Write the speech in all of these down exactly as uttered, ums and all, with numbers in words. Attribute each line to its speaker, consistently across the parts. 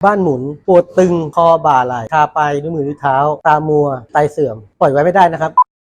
Speaker 1: บ้านหมุนปวดตึงคอบ่าไหล่ชาปลายนิ้วมือนิ้วเท้าตามัวไตเสื่อมปล่อยไว้ไม่ได้นะครับ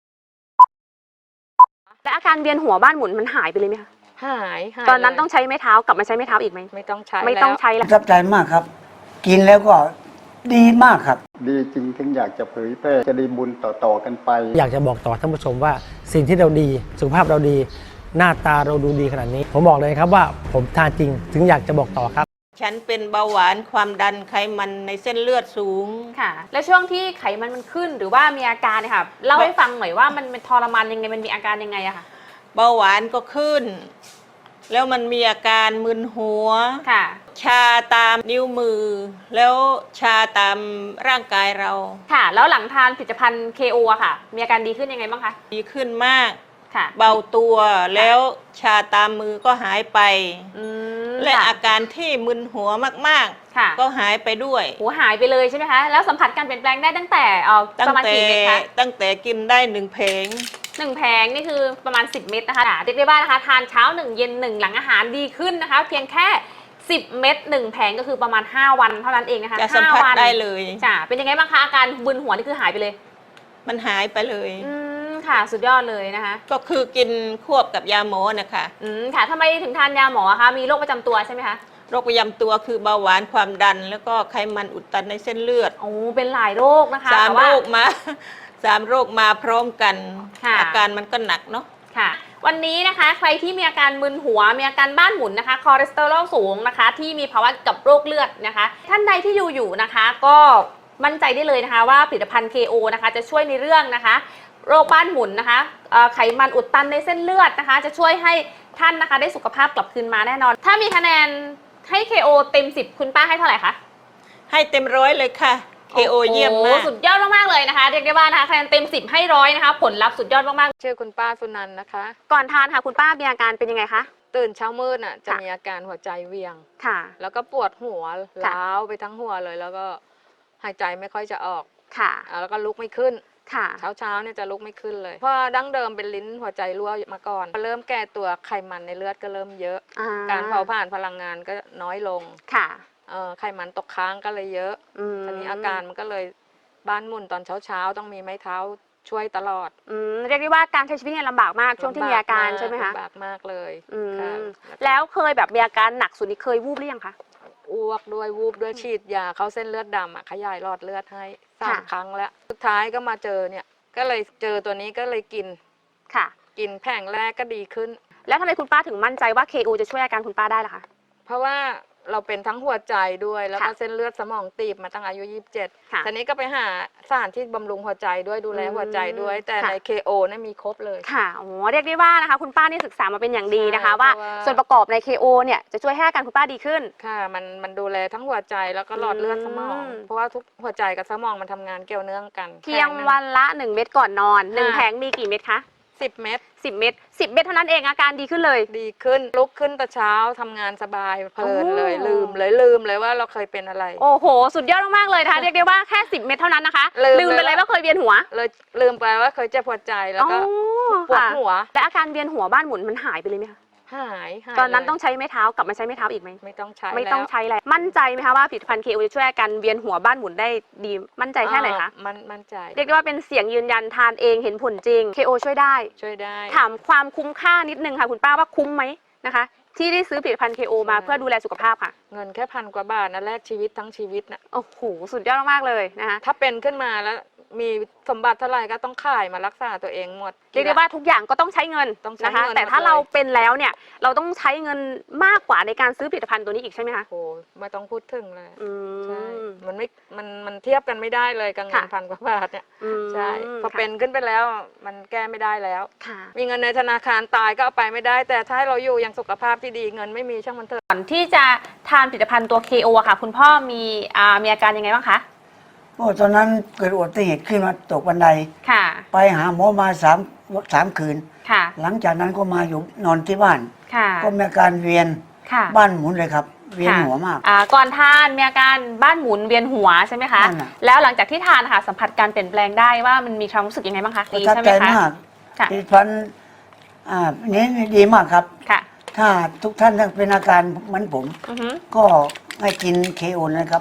Speaker 2: และอาการเวียนหัวบ้านหมุนมันหายไปเลยไหมคะ
Speaker 3: หายหาย
Speaker 2: ตอนนั้น
Speaker 3: เลย
Speaker 2: ต้องใช้ไม้เท้ากลับมาใช้ไม้เท้าอีกไหม
Speaker 3: ไม่ต้องใช้
Speaker 2: ไม่ต้องใช้
Speaker 4: ป
Speaker 2: แล้ว
Speaker 4: ระทับใจมากครับกินแล้วก็ดีมากครับ
Speaker 5: ดีจริงถึงอยากจะเผยแพร่จะได้บุญต่อๆกันไป
Speaker 1: อยากจะบอกต่อท่านผู้ชมว่าสิ่งที่เราดีสุขภาพเราดีหน้าตาเราดูดีขนาดนี้ผมบอกเลยครับว่าผมทานจริงถึงอยากจะบอกต่อครับ
Speaker 6: ฉันเป็นเบาหวานความดันไขมันในเส้นเลือดสูง
Speaker 2: ค่ะและช่วงที่ไขมันมันขึ้นหรือว่ามีอาการเนี่ยค่ะเล่าให้ฟังหน่อยว่ามันเป็นทรมานยังไงมันมีอาการยังไงอะค่ะ
Speaker 6: เบาหวานก็ขึ้นแล้วมันมีอาการมึนหัว
Speaker 2: ค่ะ
Speaker 6: ชาตามนิ้วมือแล้วชาตามร่างกายเรา
Speaker 2: ค่ะแล้วหลังทานผลิตภัณฑ์ เค โอ อะค่ะมีอาการดีขึ้นยังไงบ้างคะ
Speaker 6: ดีขึ้นมาก
Speaker 2: ค่ะ
Speaker 6: เบาตัวแล้วชาตามมือก็หายไปและอาการที่มึนหัวมากๆก็หายไปด้วย
Speaker 2: หัวหายไปเลยใช่ไหมคะแล้วสัมผัสการเปลี่ยนแปลงได้ตั้งแต่เอ่อประมาณกี่เม็ดคะ
Speaker 6: ตั้งแต่กินได้หนึ่งเพลง
Speaker 2: หนึ่งแผงนี่คือประมาณสิบเม็ดนะคะเรียกได้ว่านะคะทานเช้าหนึ่งเย็นหนึ่งหลังอาหารดีขึ้นนะคะเพียงแค่สิบเม็ดหนึ่งแผงก็คือประมาณห้าวันเท่านั้นเองนะคะ
Speaker 6: จะสัมผัสได้เลย
Speaker 2: จ้ะเป็นยังไงบ้างคะอาการบึนหัวนี่คือหายไปเลย
Speaker 6: มันหายไปเลย
Speaker 2: อืมค่ะสุดยอดเลยนะคะ
Speaker 6: ก็คือกินควบกับยาหมอนะคะ
Speaker 2: อืมค่ะทำไมถึงทานยาหมอคะมีโรคประจำตัวใช่ไหมคะ
Speaker 6: โรคประจำตัวคือเบาหวานความดันแล้วก็ไขมันอุดตันในเส้นเลือด
Speaker 2: โอ้เป็นหลายโรคนะคะ
Speaker 6: สามโรคมาสามโรคมาพร้อมกันอาการมันก็หนักเนาะ
Speaker 2: ค่ะวันนี้นะคะใครที่มีอาการมึนหัวมีอาการบ้านหมุนนะคะคอเลสเตอรอลสูงนะคะที่มีภาวะกับโรคเลือดนะคะท่านใดที่อยู่อยู่นะคะก็มั่นใจได้เลยนะคะว่าผลิตภัณฑ์ เค โอ นะคะจะช่วยในเรื่องนะคะโรคบ้านหมุนนะคะไขมันอุดตันในเส้นเลือดนะคะจะช่วยให้ท่านนะคะได้สุขภาพกลับคืนมาแน่นอนถ้ามีคะแนนให้ เค โอ เต็มสิบคุณป้าให้เท่าไหร่คะ
Speaker 6: ให้เต็มร้อยเลยค่ะ เค โอ เยี่ยมมาก
Speaker 2: สุดยอดมากๆเลยนะคะเรียกได้ว่านะคะคะแนนเต็มสิบให้ร้อยนะคะผลลัพธ์สุดยอดมาก
Speaker 3: ๆชื่อคุณป้าสุนันท์นะคะ
Speaker 2: ก่อนทานค่ะคุณป้ามีอาการเป็นยังไงคะ
Speaker 3: ตื่นเช้ามืดน่ะจะมีอาการหัวใจเวียง
Speaker 2: ค่ะ
Speaker 3: แล้วก็ปวดหัวล้าวไปทั้งหัวเลยแล้วก็หายใจไม่ค่อยจะออก
Speaker 2: ค่ะ
Speaker 3: แล้วก็ลุกไม่ขึ้น
Speaker 2: ค่ะ
Speaker 3: เช้าเช้าเนี่ยจะลุกไม่ขึ้นเลยเพราะดั้งเดิมเป็นลิ้นหัวใจรั่วมาก่อนเริ่มแก่ตัวไขมันในเลือดก็เริ่มเยอะการเผาผลาญพลังงานก็น้อยลง
Speaker 2: ค่ะ
Speaker 3: ไขมันตกค้างก็เลยเยอะตอนนี้อาการมันก็เลยบ้านหมุนตอนเช้าเช้าต้องมีไม้เท้าช่วยตลอด
Speaker 2: อืมเรียกได้ว่าการใช้ชีวิตเนี่ยลำบากมากช่วงที่มีอาการใช่ไหมคะ
Speaker 3: ลำบากมากเลย
Speaker 2: แล้วเคยแบบมีอาการหนักสุดนี่เคยวูบหรือยังคะ
Speaker 3: อ้วกด้วยวูบด้วยฉีดยาเข้าเส้นเลือดดำอ่ะขยายหลอดเลือดให้สามครั้งแล้วสุดท้ายก็มาเจอเนี่ยก็เลยเจอตัวนี้ก็เลยกิน
Speaker 2: ค่ะ
Speaker 3: กินแผงแรกก็ดีขึ้น
Speaker 2: แล้วทำไมคุณป้าถึงมั่นใจว่า เค โอ จะช่วยอาการคุณป้าได้ล่ะคะ
Speaker 3: เพราะว่าเราเป็นทั้งหัวใจด้วยแล้วก็เส้นเลือดสมองตีบมาตั้งอายุยี่สิบเจ็ดทีนี้ก็ไปหาสารที่บำรุงหัวใจด้วยดูแลหัวใจด้วยแต่ใน เค โอ เนี่ยมีครบเลย
Speaker 2: ค่ะโอ้เรียกได้ว่านะคะคุณป้านี่ศึกษามาเป็นอย่างดีนะคะว่าส่วนประกอบใน เค โอ เนี่ยจะช่วยให้อาการคุณป้าดีขึ้น
Speaker 3: ค่ะมันมันดูแลทั้งหัวใจแล้วก็หลอดเลือดสมองเพราะว่าทุกหัวใจกับสมองมันทำงานเกี่ยวเนื่องกัน
Speaker 2: เพียงวันละหนึ่งเม็ดก่อนนอนหนึ่งแผงมีกี่เม็ดคะ
Speaker 3: สิบเม็ด
Speaker 2: สิบเม็ดสิบเม็ดเท่านั้นเองอาการดีขึ้นเลย
Speaker 3: ดีขึ้นลุกขึ้นแต่เช้าทำงานสบายเพลินเลยลืมเลยลืมเลยว่าเราเคยเป็นอะไร
Speaker 2: โอ้โหสุดยอดมากๆเลยนะคะเรียกได้ว่าแค่สิบเม็ดเท่านั้นนะคะลืมไปเลยว่าเคยเวียนหัว
Speaker 3: เลยลืมไปว่าเคยเจ็บหัวใจแล้วก็ปวดหัว
Speaker 2: แต่อาการเวียนหัวบ้านหมุนมันหายไปเลยไหมคะ
Speaker 3: หาย
Speaker 2: ตอนนั้นต้องใช้ไม้เท้ากลับมาใช้ไม้เท้าอีกไหม
Speaker 3: ไม่ต้องใช้
Speaker 2: ไม่ต้องใช้แล้วมั่นใจไหมคะว่าผลิตภัณฑ์ เค โอ จะช่วยอาการเวียนหัวบ้านหมุนได้ดีมั่นใจแค่ไหนคะ
Speaker 3: มันมั่นใจ
Speaker 2: เรียกได้ว่าเป็นเสียงยืนยันทานเองเห็นผลจริง เค โอ ช่วยได้
Speaker 3: ช่วยได้
Speaker 2: ถามความคุ้มค่านิดนึงค่ะคุณป้าว่าคุ้มไหมนะคะที่ได้ซื้อผลิตภัณฑ์ เค โอ มาเพื่อดูแลสุขภาพค่ะ
Speaker 3: เงินแค่พันกว่าบาทนะแลกชีวิตทั้งชีวิตนะ
Speaker 2: โอ้โหสุดยอดมากเลยนะคะ
Speaker 3: ถ้าเป็นขึ้นมาแล้วมีสมบัติเท่าไหร่ก็ต้องขายมารักษาตัวเองหมด
Speaker 2: เรียกได้ว่าทุกอย่างก็ต้องใช้เงินนะคะแต่ถ้าเราเป็นแล้วเนี่ยเราต้องใช้เงินมากกว่าในการซื้อผลิตภัณฑ์ตัวนี้อีกใช่ไหมคะ
Speaker 3: โอ้ไม่ต้องพูดถึงเลยใช่มันไม่มันมันเทียบกันไม่ได้เลยกับเงินพันกว่าบาทเนี่ยใช่พอเป็นขึ้นไปแล้วมันแก้ไม่ได้แล้วมีเงินในธนาคารตายก็เอาไปไม่ได้แต่ถ้าเราอยู่ยังสุขภาพที่ดีเงินไม่มีช่างมันเถอะ
Speaker 2: ก่อนที่จะทานผลิตภัณฑ์ตัว เค โอ ค่ะ คุณพ่อมีอ่ามีอาการยังไงบ้างคะ
Speaker 4: โอ้ตอนนั้นเกิดอุบัติเหตุขึ้นมาตกบันได
Speaker 2: ค่ะ
Speaker 4: ไปหาหมอมาสามสามคืน
Speaker 2: ค่ะ
Speaker 4: หลังจากนั้นก็มาอยู่นอนที่บ้าน
Speaker 2: ค่ะ
Speaker 4: ก็มีอาการเวียนบ้านหมุนเลยครับเวียนหัวมาก
Speaker 2: อ่าก่อนทานมีอาการบ้านหมุนเวียนหัวใช่ไหมคะแล้วหลังจากที่ทานค่ะสัมผัสการเปลี่ยนแปลงได้ว่ามันมีความรู้สึกยังไงบ้างคะ
Speaker 4: ดีใช่ไหมคะดีพันอ่านี้ดีมากครับ
Speaker 2: ค่ะ
Speaker 4: ถ้าทุกท่านเป็นอาการเหมือนผมก็ให้กิน เค โอ นะครับ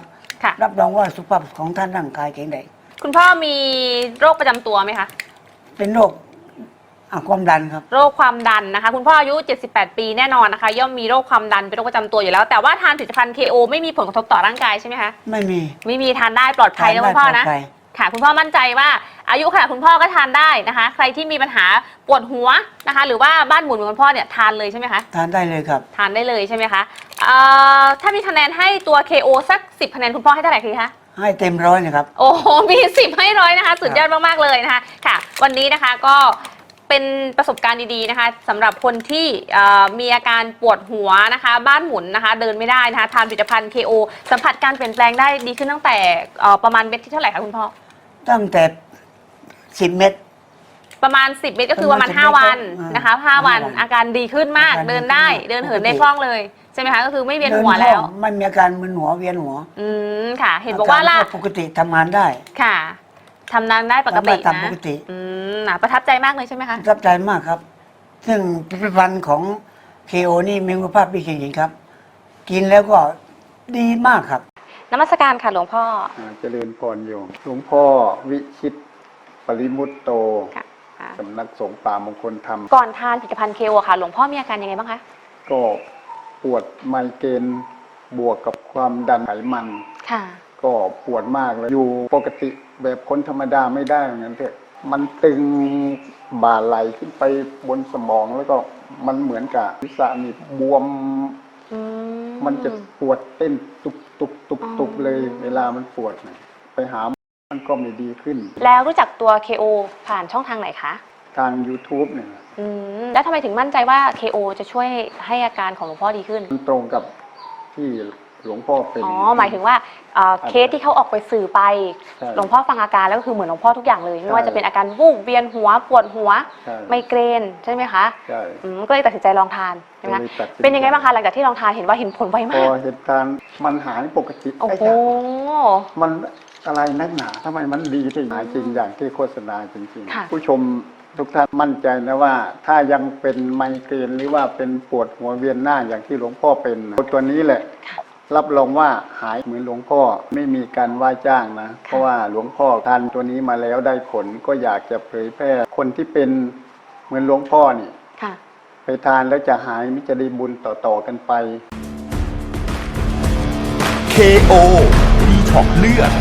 Speaker 4: รับรองว่าสุขภาพของท่านร่างกายแข็งแรง
Speaker 2: คุณพ่อมีโรคประจำตัวไหมคะ
Speaker 4: เป็นโรคอ่ะความดันครับ
Speaker 2: โรคความดันนะคะคุณพ่ออายุเจ็ดสิบแปดปีแน่นอนนะคะย่อมมีโรคความดันเป็นโรคประจำตัวอยู่แล้วแต่ว่าทานผลิตภัณฑ์ เค โอ ไม่มีผลกระทบต่อร่างกายใช่ไหมคะ
Speaker 4: ไม่มี
Speaker 2: ไม่มีทานได้ปลอดภัยนะคุณพ่อนะ
Speaker 4: ทานได้ปลอดภัย
Speaker 2: ค่ะคุณพ่อมั่นใจว่าอายุขนาดคุณพ่อก็ทานได้นะคะ ใครที่มีปัญหาปวดหัวนะคะ หรือว่าบ้านหมุนเหมือนคุณพ่อเนี่ยทานเลยใช่ไหมคะ
Speaker 4: ทานได้เลยครับ
Speaker 2: ทานได้เลยใช่ไหมคะเอ่อถ้ามีคะแนนให้ตัว เค โอ สักสิบคะแนนคุณพ่อให้เท่าไหร่คะ
Speaker 4: ให้เต็มร้อยนะครับ
Speaker 2: โอ้โหมีสิบให้ร้อยนะคะสุดยอดมากๆเลยนะคะค่ะวันนี้นะคะก็เป็นประสบการณ์ดีๆนะคะสำหรับคนที่เอ่อมีอาการปวดหัวนะคะ บ้านหมุนนะคะ เดินไม่ได้นะคะทานผลิตภัณฑ์ เค โอ สัมผัสการเปลี่ยนแปลงได้ดีขึ้นตั้งแต่เอ่อประมาณเม็ดที่เท่าไหร่คะคุณพ่อ
Speaker 4: ตั้งแต่สิบเม็ด
Speaker 2: ประมาณสิบเม็ดก็คือประมาณ
Speaker 4: ประมาณ
Speaker 2: ห้า
Speaker 4: สิบ
Speaker 2: วัน
Speaker 4: เม็ด
Speaker 2: นะคะห้าวัน
Speaker 4: ห้าวัน
Speaker 2: อาการดีขึ้นมาก
Speaker 4: อาการดี
Speaker 2: เดินได้
Speaker 4: ขึ้นมาก
Speaker 2: เดินเหิน
Speaker 4: ปกติ
Speaker 2: ได้คล่องเลยใช่ไหมคะก็คือไม่เวียน
Speaker 4: เดิ
Speaker 2: หัว
Speaker 4: ค
Speaker 2: แล้ว
Speaker 4: องไม่มีอาการมึนหัวเวียนหัว
Speaker 2: อืมค่ะ เห็นบอกว่าล่ะ
Speaker 4: รปกติทำงานได้
Speaker 2: ค่ะทำงานได้ปกติ
Speaker 4: ทำได้ตาม
Speaker 2: นะ
Speaker 4: ปกติ
Speaker 2: อืมน่ะประทับใจมากเลยใช่ไหมคะ
Speaker 4: ประทับใจมากครับ ซึ่งผลิตภัณฑ์ของ เค โอ นี่มีคุณภาพดีจริงๆครับ กินแล้วก็ดีมากครับ
Speaker 2: นมัสการค่ะหลวงพ่อ
Speaker 5: อ่าเจริญพรโยมหลวงพ่อวิชิตปริมุตโต
Speaker 2: ค่ะค่ะ
Speaker 5: สำนักสงฆ์ป่ามงคลธรรม
Speaker 2: ก่อนทานผลิตภัณฑ์ เค โอ ค่ะหลวงพ่อมีอาการยังไงบ้างคะ
Speaker 5: ก็ปวดไมเกรนบวกกับความดันไขมัน
Speaker 2: ค่ะ
Speaker 5: ก็ปวดมากเลย อยู่ปกติแบบคนธรรมดาไม่ได้เหมือนกันเถอะมันตึงบ่าไหลขึ้นไปบนสมองแล้วก็มันเหมือนกับศีรษะนี่บวม
Speaker 2: อืม
Speaker 5: มันจะปวดเต้นตุบตุบตุบตุบ
Speaker 2: อ๋อ
Speaker 5: เลย เวลามันปวดเนี่ยไปหาหมอมันก็ไม่ดีขึ้น
Speaker 2: แล้วรู้จักตัว เค โอ ผ่านช่องทางไหนคะ
Speaker 5: ทาง YouTube เนี่ย
Speaker 2: อืมแล้วทำไมถึงมั่นใจว่า เค โอ จะช่วยให้อาการของหลวงพ่อดีขึ้น
Speaker 5: มันตรงกับที่หลวงพ่อเป็น
Speaker 2: อ๋อ หมายถึงว่าเอ่อเคสที่เขาออกไปสื่อไป
Speaker 5: ใช่
Speaker 2: หลวงพ่อฟังอาการแล้วก็คือเหมือนหลวงพ่อทุกอย่างเลย ไม่ว่า
Speaker 5: ใช่
Speaker 2: จะเป็นอาการวูบเวียนหัวปวดหัว
Speaker 5: ใช่
Speaker 2: ไมเกรนใช่ไหมคะ
Speaker 5: ใช่
Speaker 2: อืมก็เลยตัดสินใจลองทานใช่ไหมคะ
Speaker 5: ก็เลยตัดสินใจ
Speaker 2: เป็นยังไงบ้างคะหลังจากที่ลองทานเห็นว่าเห็นผลไว
Speaker 5: พ
Speaker 2: มา
Speaker 5: อก เหตุการณ์มันหายปกติ
Speaker 2: โอ้
Speaker 5: ไอ้
Speaker 2: โห
Speaker 5: จ้ะมันอะไรนักหนาทำไมมันดีที่หายจริงอย่างที่โฆษณาจริง
Speaker 2: ค่ะ
Speaker 5: ๆ ผู้ชมทุกท่านมั่นใจนะว่า ถ้ายังเป็นไมเกรนหรือว่าเป็นปวดหัวเวียนหน้าอย่างที่หลวงพ่อเป็นตัวนี้แหละ รับรองว่าหายเหมือนหลวงพ่อไม่มีการว่าจ้างนะ เพราะว่าหลวงพ่อทานตัวนี้มาแล้วได้ผลก็อยากจะเผยแพร่คนที่เป็นเหมือนหลวงพ่อนี่
Speaker 2: ค่ะ
Speaker 5: ไปทานแล้วจะหายมิจะได้บุญต่อๆกันไป
Speaker 7: เค โอ ดีท็อกเลือด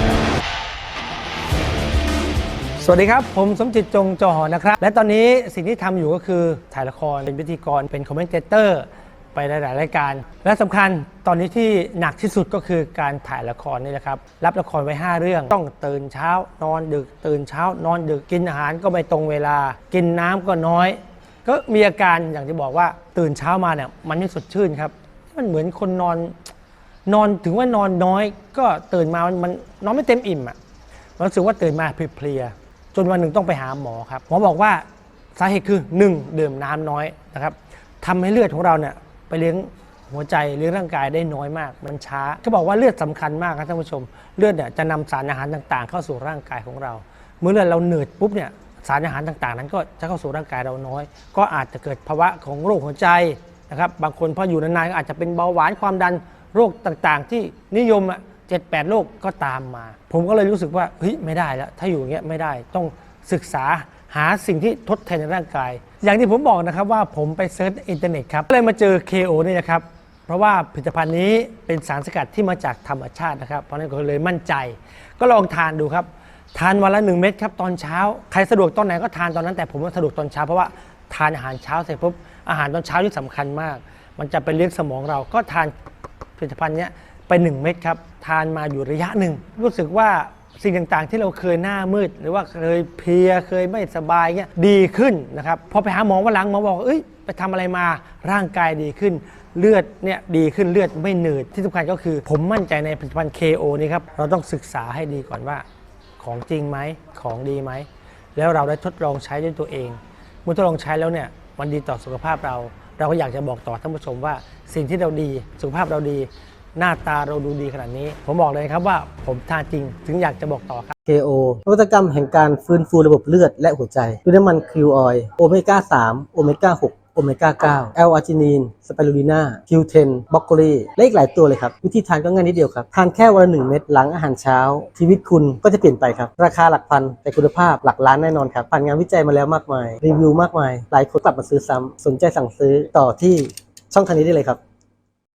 Speaker 1: สวัสดีครับ ผมสมจิตจงจอหอนะครับ และตอนนี้สิ่งที่ทำอยู่ก็คือถ่ายละครเป็นพิธีกรเป็นคอมเมนเตอร์ไปหลายๆรายการ และสำคัญตอนนี้ที่หนักที่สุดก็คือการถ่ายละครนี่แหละครับรับละครไว้ห้าเรื่องต้องตื่นเช้านอนดึกตื่นเช้านอนดึกกินอาหารก็ไม่ตรงเวลา กินน้ำก็น้อย ก็มีอาการอย่างที่บอกว่าตื่นเช้ามาเนี่ยมันไม่สดชื่นครับมันเหมือนคนนอนนอนถึงว่านอนน้อย ก็ตื่นมามันนอนไม่เต็มอิ่มอ่ะรู้สึกว่าตื่นมาเพลียๆจนวันหนึ่งต้องไปหาหมอครับหมอบอกว่าสาเหตุคือหนึ่งดื่มน้ำน้อยนะครับทำให้เลือดของเราเนี่ยไปเลี้ยงหัวใจเลี้ยงร่างกายได้น้อยมากมันช้าเขาบอกว่าเลือดสำคัญมากครับท่านผู้ชมเลือดเนี่ยจะนำสารอาหารต่างๆ เข้าสู่ร่างกายของเราเมื่อเลือดเราเหนื่อยปุ๊บเนี่ยสารอาหารต่างๆนั้นก็จะเข้าสู่ร่างกายเราน้อยก็อาจจะเกิดภาวะของโรคหัวใจนะครับบางคนพออยู่นานๆก็อาจจะเป็นเบาหวานความดันโรคต่างๆ ที่นิยมอ่ะเจ็ดแปดโรคก็ตามมาผมก็เลยรู้สึกว่าเฮ้ยไม่ได้แล้วถ้าอยู่อย่างเงี้ยไม่ได้ต้องศึกษาหาสิ่งที่ทดแทนในร่างกายอย่างที่ผมบอกนะครับว่าผมไปเซิร์ชอินเทอร์เน็ตครับก็เลยมาเจอ เค โอ นี่นะครับเพราะว่าผลิตภัณฑ์นี้เป็นสารสกัดที่มาจากธรรมชาตินะครับเพราะนั้นก็เลยมั่นใจก็ลองทานดูครับทานวันละหนึ่งเม็ดครับตอนเช้าใครสะดวกตอนไหนก็ทานตอนนั้นแต่ผมว่าสะดวกตอนเช้าเพราะว่าทานอาหารเช้าเสร็จปุ๊บอาหารตอนเช้าที่สำคัญมากมันจะไปเลี้ยงสมองเราก็ทานผลิตภัณฑ์นี้ไปหนึ่งเม็ดครับทานมาอยู่ระยะหนึ่งรู้สึกว่าสิ่งต่างๆที่เราเคยหน้ามืดหรือว่าเคยเพลียเคยไม่สบายเงี้ยดีขึ้นนะครับพอไปหาหมอวันหลังหมอบอกเอ้ยไปทำอะไรมาร่างกายดีขึ้นเลือดเนี่ยดีขึ้นเลือดไม่หนืดที่สำคัญก็คือผมมั่นใจในผลิตภัณฑ์ เค โอ นี่ครับเราต้องศึกษาให้ดีก่อนว่าของจริงไหมของดีไหมแล้วเราได้ทดลองใช้ด้วยตัวเองเมื่อทดลองใช้แล้วเนี่ยมันดีต่อสุขภาพเราเราก็อยากจะบอกต่อท่านผู้ชมว่าสิ่งที่เราดีสุขภาพเราดีหน้าตาเราดูดีขนาดนี้ผมบอกเลยครับว่าผมทานจริงถึงอยากจะบอกต่อครับ
Speaker 8: เค โอ นวัตกรรมแห่งการฟื้นฟูระบบเลือดและหัวใจด้วยน้ำมันคิวออยล์โอเมก้าสามโอเมก้าหกโอเมก้า เก้า แอล อาร์จินีน สไปรูลิน่า คิว เท็น บรอกโคลีและอีกหลายตัวเลยครับวิธีทานก็ง่ายนิดเดียวครับทานแค่วันละหนึ่งเม็ดหลังอาหารเช้าชีวิตคุณก็จะเปลี่ยนไปครับราคาหลักพันแต่คุณภาพหลักล้านแน่นอนครับผ่านงานวิจัยมาแล้วมากมายรีวิวมากมายหลายคนกลับมาซื้อซ้ำสนใจสั่งซื้อต่อที่ช่องทางนี้ได้เลยครับ